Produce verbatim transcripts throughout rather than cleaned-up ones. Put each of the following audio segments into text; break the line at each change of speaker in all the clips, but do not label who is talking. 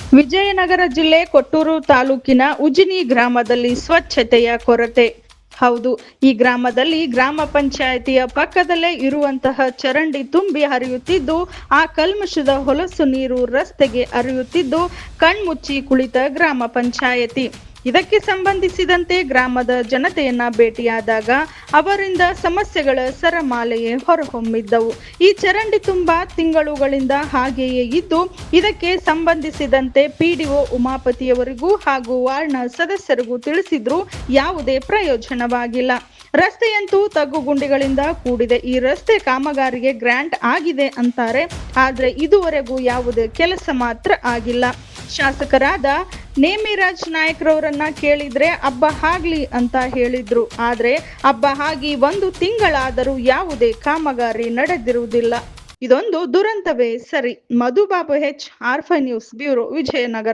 ವಿಜಯನಗರ ಜಿಲ್ಲೆ ಕೊಟ್ಟೂರು ತಾಲೂಕಿನ ಉಜಿನಿ ಗ್ರಾಮದಲ್ಲಿ ಸ್ವಚ್ಛತೆಯ ಕೊರತೆ. ಹೌದು, ಈ ಗ್ರಾಮದಲ್ಲಿ ಗ್ರಾಮ ಪಂಚಾಯಿತಿಯ ಪಕ್ಕದಲ್ಲೇ ಇರುವಂತಹ ಚರಂಡಿ ತುಂಬಿ ಹರಿಯುತ್ತಿದ್ದು, ಆ ಕಲ್ಮಶದ ಹೊಲಸು ನೀರು ರಸ್ತೆಗೆ ಹರಿಯುತ್ತಿದ್ದು ಕಣ್ಮುಚ್ಚಿ ಕುಳಿತ ಗ್ರಾಮ ಪಂಚಾಯಿತಿ. ಇದಕ್ಕೆ ಸಂಬಂಧಿಸಿದಂತೆ ಗ್ರಾಮದ ಜನತೆಯನ್ನ ಭೇಟಿಯಾದಾಗ ಅವರಿಂದ ಸಮಸ್ಯೆಗಳ ಸರಮಾಲೆಯೇ ಹೊರಹೊಮ್ಮಿದ್ದವು. ಈ ಚರಂಡಿ ತುಂಬಾ ತಿಂಗಳುಗಳಿಂದ ಹಾಗೆಯೇ ಇದ್ದು, ಇದಕ್ಕೆ ಸಂಬಂಧಿಸಿದಂತೆ ಪಿಡಿಒ ಉಮಾಪತಿಯವರಿಗೂ ಹಾಗೂ ವಾರ್ಡ್ನ ಸದಸ್ಯರಿಗೂ ತಿಳಿಸಿದ್ರೂ ಯಾವುದೇ ಪ್ರಯೋಜನವಾಗಿಲ್ಲ. ರಸ್ತೆಯಂತೂ ತಗ್ಗುಗುಂಡಿಗಳಿಂದ ಕೂಡಿದೆ. ಈ ರಸ್ತೆ ಕಾಮಗಾರಿಗೆ ಗ್ರಾಂಟ್ ಆಗಿದೆ ಅಂತಾರೆ, ಆದ್ರೆ ಇದುವರೆಗೂ ಯಾವುದೇ ಕೆಲಸ ಮಾತ್ರ ಆಗಿಲ್ಲ. ಶಾಸಕರಾದ ನೇಮಿರಾಜ್ ನಾಯಕ್ರವರನ್ನ ಕೇಳಿದ್ರೆ ಹಬ್ಬ ಆಗ್ಲಿ ಅಂತ ಹೇಳಿದ್ರು. ಆದ್ರೆ ಹಬ್ಬ ಆಗಿ ಒಂದು ತಿಂಗಳಾದರೂ ಯಾವುದೇ ಕಾಮಗಾರಿ ನಡೆದಿರುವುದಿಲ್ಲ. ಇದೊಂದು ದುರಂತವೇ ಸರಿ. Madhubabu H, R five news bureau, Vijayanagara.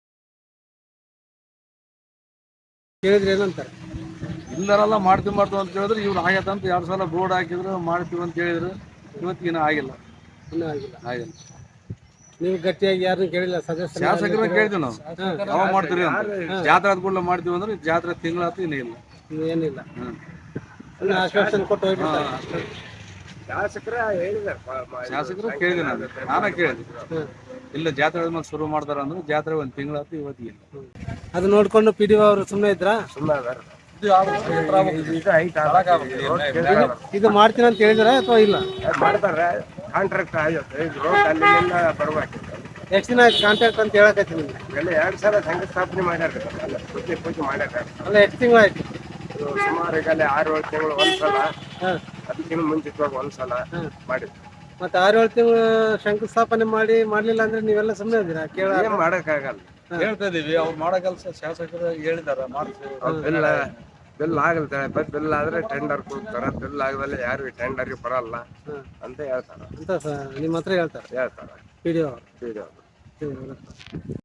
ಇಲ್ಲರೆಲ್ಲ ಮಾಡ್ತೀವಿ ಮಾಡ್ತೀವಿ ಅಂತ ಹೇಳಿದ್ರೆ ಇವ್ರು ಆಗತ್ತ ಅಂತ ಎರಡು ಸಲ ಬೋರ್ಡ್ ಹಾಕಿದ್ರು, ಮಾಡ್ತೀವಿ ಅಂತ ಹೇಳಿದ್ರು. ಇವತ್ತಿಗಿನ ಆಗಿಲ್ಲ,
ಇನ್ನೂ ಆಗಿಲ್ಲ.
ಆಗಿಲ್ಲ.
ನೀವು ಗಟ್ಟಿಯಾಗಿ ಯಾರನ್ನು ಕೇಳಿಲ್ಲ? ಸದಸ್ಯ
ಶಾಸಕರನ್ನ ಕೇಳ್ತೀವಿ ನಾವು, ಯಾವಾಗ ಮಾಡ್ತೀರಿ ಅಂತ. ಜಾತ್ರೆ ಆದ ಕೂಡಲೇ ಮಾಡ್ತೀವಿ ಅಂದ್ರೆ ಜಾತ್ರೆ ತಿಂಗಳಾತು ಇನ್ನೂ ಇಲ್ಲ,
ಏನಿಲ್ಲ. ಆಶ್ವಾಸನೆ ಕೊಟ್ಟು ಹೋಗ್ಬಿಡ್ತಾರೆ.
ಶಾಸಕರು ಕೇಳಿದೆ, ನಾನು ನಾನೇ ಕೇಳಿದೆ. ಇಲ್ಲ ಜಾತ್ರೆ ಆದ್ಮೇಲೆ ಶುರು ಮಾಡ್ತಾರ ಅಂದ್ರೆ ಜಾತ್ರೆ ಒಂದು ತಿಂಗಳಾತು, ಇವತ್ತಿಗೆ ಇಲ್ಲ.
ಅದು ನೋಡ್ಕೊಂಡು ಪಿ ಡಿ ಒ ಅವರು ಸುಮ್ಮನೆ ಇದ್ರಾ? ಇದು ಮಾಡ್ತೀನಿ ಅಂತ ಹೇಳಿದಾರ ಅಥವಾ ಇಲ್ಲ?
ಮಾಡ್ತಾರೆ. ಕಾಂಟ್ರಾಕ್ಟ್ ಆಗುತ್ತೆ, ಬರ್ಬೇಕು.
ಎಷ್ಟು ದಿನ ಆಯ್ತು ಕಾಂಟ್ರಾಕ್ಟ್ ಅಂತ ಹೇಳಕತ್ತಿ ನಿಮ್ಗೆ?
ಎಲ್ಲ ಎರಡು ಸಲ ಶಂಕುಸ್ಥಾಪನೆ ಮಾಡ್ಯಾರ, ಪೂಜೆ ಪೂಜೆ ಮಾಡ್ಯಾರ.
ಅಲ್ಲ, ಎಷ್ಟು ತಿಂಗಳು ಆಯ್ತು?
ಸುಮಾರು ಈಗ ಆರು ಏಳು ತಿಂಗಳು ಒಂದ್ಸಲ, ಅದಕ್ಕಿಂತ ಮುಂಚಿತವಾಗಿ ಒಂದ್ಸಲ ಮಾಡಿದ್ವಿ.
ಮತ್ತೆ ಆರು ಏಳು ತಿಂಗಳು ಶಂಕುಸ್ಥಾಪನೆ ಮಾಡಿ ಮಾಡ್ಲಿಲ್ಲ ಅಂದ್ರೆ ನೀವೆಲ್ಲ ಸುಮ್ಮನೆ ಇದ್ದೀರಾ? ಕೇಳ
ಮಾಡಕ್ಕಾಗಲ್ಲ,
ಹೇಳ್ತಾ ಇದೀವಿ. ಅವ್ರು ಮಾಡೋ ಕೆಲಸ ಶಾಸಕರು ಹೇಳಿದಾರ, ಮಾಡ್ತೀವಿ.
ಬಿಲ್ ಬಿಲ್ ಆಗಲ್ತಾರೆ. ಬಿಲ್ ಆದ್ರೆ ಟೆಂಡರ್ ಕೊಡ್ತಾರ, ಬಿಲ್ ಆಗದಲ್ಲ ಯಾರು ಟೆಂಡರ್ಗೆ ಬರಲ್ಲ ಅಂತ ಹೇಳ್ತಾರ.
ಅಂತ ನಿಮ್ಮ ಹತ್ರ ಹೇಳ್ತಾರೆ
ಹೇಳ್ತಾರ
P D O.
P D ಒ.